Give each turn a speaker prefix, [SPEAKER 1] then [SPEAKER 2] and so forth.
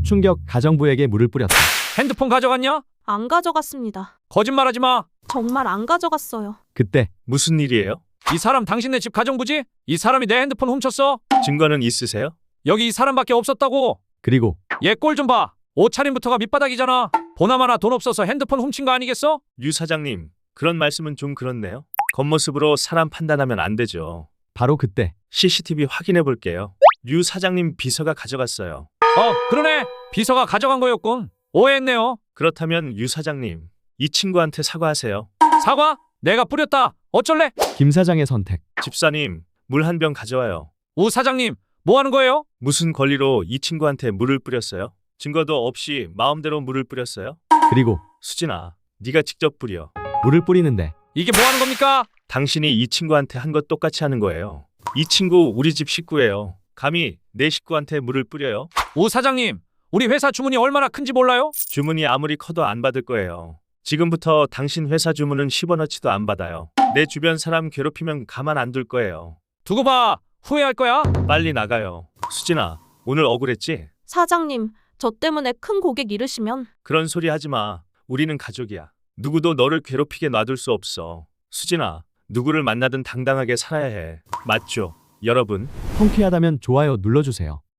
[SPEAKER 1] 충격, 가정부에게 물을 뿌렸다.
[SPEAKER 2] 핸드폰 가져갔냐?
[SPEAKER 3] 안 가져갔습니다.
[SPEAKER 2] 거짓말하지 마.
[SPEAKER 3] 정말 안 가져갔어요.
[SPEAKER 1] 그때
[SPEAKER 4] 무슨 일이에요?
[SPEAKER 2] 이 사람 당신네 집 가정부지? 이 사람이 내 핸드폰 훔쳤어?
[SPEAKER 4] 증거는 있으세요?
[SPEAKER 2] 여기 이 사람밖에 없었다고.
[SPEAKER 1] 그리고
[SPEAKER 2] 얘 꼴 좀 봐. 옷차림부터가 밑바닥이잖아. 보나마나 돈 없어서 핸드폰 훔친 거 아니겠어?
[SPEAKER 4] 유 사장님, 그런 말씀은 좀 그렇네요. 겉모습으로 사람 판단하면 안 되죠.
[SPEAKER 1] 바로 그때
[SPEAKER 4] CCTV 확인해 볼게요. 유 사장님 비서가 가져갔어요.
[SPEAKER 2] 그러네. 비서가 가져간 거였군. 오해했네요.
[SPEAKER 4] 그렇다면 유 사장님, 이 친구한테 사과하세요.
[SPEAKER 2] 사과? 내가 뿌렸다. 어쩔래?
[SPEAKER 1] 김 사장의 선택.
[SPEAKER 4] 집사님, 물 한 병 가져와요.
[SPEAKER 2] 우 사장님, 뭐 하는 거예요?
[SPEAKER 4] 무슨 권리로 이 친구한테 물을 뿌렸어요? 증거도 없이 마음대로 물을 뿌렸어요?
[SPEAKER 1] 그리고
[SPEAKER 4] 수진아, 네가 직접 뿌려.
[SPEAKER 1] 물을 뿌리는데
[SPEAKER 2] 이게 뭐 하는 겁니까?
[SPEAKER 4] 당신이 이 친구한테 한 것 똑같이 하는 거예요. 이 친구 우리 집 식구예요. 감히 내 식구한테 물을 뿌려요?
[SPEAKER 2] 우 사장님, 우리 회사 주문이 얼마나 큰지 몰라요?
[SPEAKER 4] 주문이 아무리 커도 안 받을 거예요. 지금부터 당신 회사 주문은 10원어치도 안 받아요. 내 주변 사람 괴롭히면 가만 안 둘 거예요.
[SPEAKER 2] 두고 봐. 후회할 거야.
[SPEAKER 4] 빨리 나가요. 수진아, 오늘 억울했지?
[SPEAKER 3] 사장님, 저 때문에 큰 고객 잃으시면
[SPEAKER 4] 그런 소리 하지 마. 우리는 가족이야. 누구도 너를 괴롭히게 놔둘 수 없어. 수진아, 누구를 만나든 당당하게 살아야 해. 맞죠? 여러분.
[SPEAKER 1] 통쾌하다면 좋아요 눌러주세요.